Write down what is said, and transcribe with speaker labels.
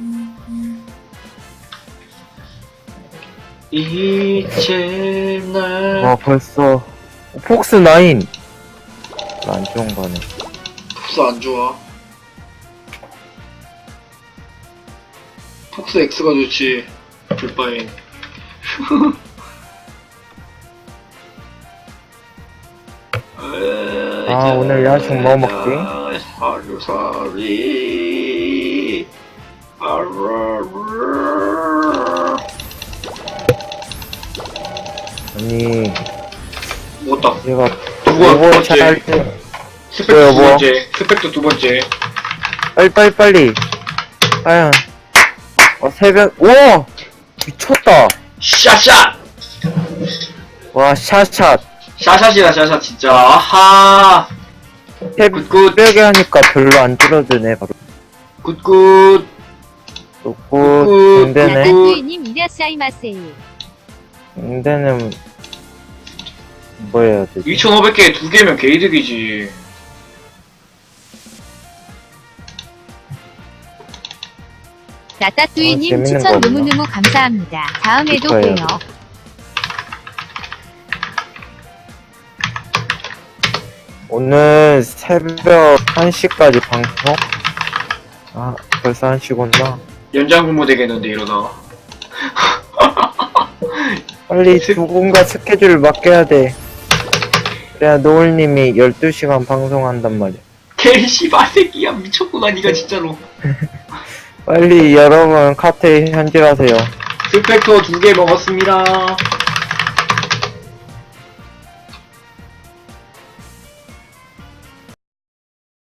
Speaker 1: 이제 날
Speaker 2: 와 벌써 폭스 9 안 좋은 거네.
Speaker 1: 폭스 안 좋아. 폭스 X가 좋지. 불바인.
Speaker 2: 아 오늘 야식 뭐 먹지?
Speaker 1: 하루살이
Speaker 2: 아니
Speaker 1: 먹었다.
Speaker 2: 얘가
Speaker 1: 두 번째.
Speaker 2: 할때
Speaker 1: 스펙도
Speaker 2: 뭐야,
Speaker 1: 두
Speaker 2: 뭐?
Speaker 1: 번째. 스펙도 두 번째.
Speaker 2: 빨리 과연 새벽 오 미쳤다.
Speaker 1: 샷샷!
Speaker 2: 와 샷샷
Speaker 1: 샷샷이다 샷샷 진짜. 아하. 굿굿.
Speaker 2: 새벽에 하니까 별로 안 줄어드네. 바로
Speaker 1: 굿굿.
Speaker 2: 좋고
Speaker 1: 굿.
Speaker 2: 근데네
Speaker 3: 나따뚜이님 이라시아이마세.
Speaker 2: 근데는 뭐 해야 되지?
Speaker 1: 2500개 두 개면 개이득이지.
Speaker 3: 나따뚜이님
Speaker 2: 재밌는
Speaker 3: 추천
Speaker 2: 거 없나?
Speaker 3: 너무너무 감사합니다. 다음에도
Speaker 2: 좋아요.
Speaker 3: 봬요.
Speaker 2: 오늘 새벽 1시까지 방송? 아 벌써 1시구나.
Speaker 1: 연장 근무 되겠는데 이러다가.
Speaker 2: 빨리 누군가 스케줄을 맡겨야 돼. 그래야 노을님이 12시간 방송한단 말이야.
Speaker 1: 개씨발 새끼야 미쳤구나 니가 진짜로.
Speaker 2: 빨리 여러분 카트에 현질하세요.
Speaker 1: 스펙터 두 개 먹었습니다.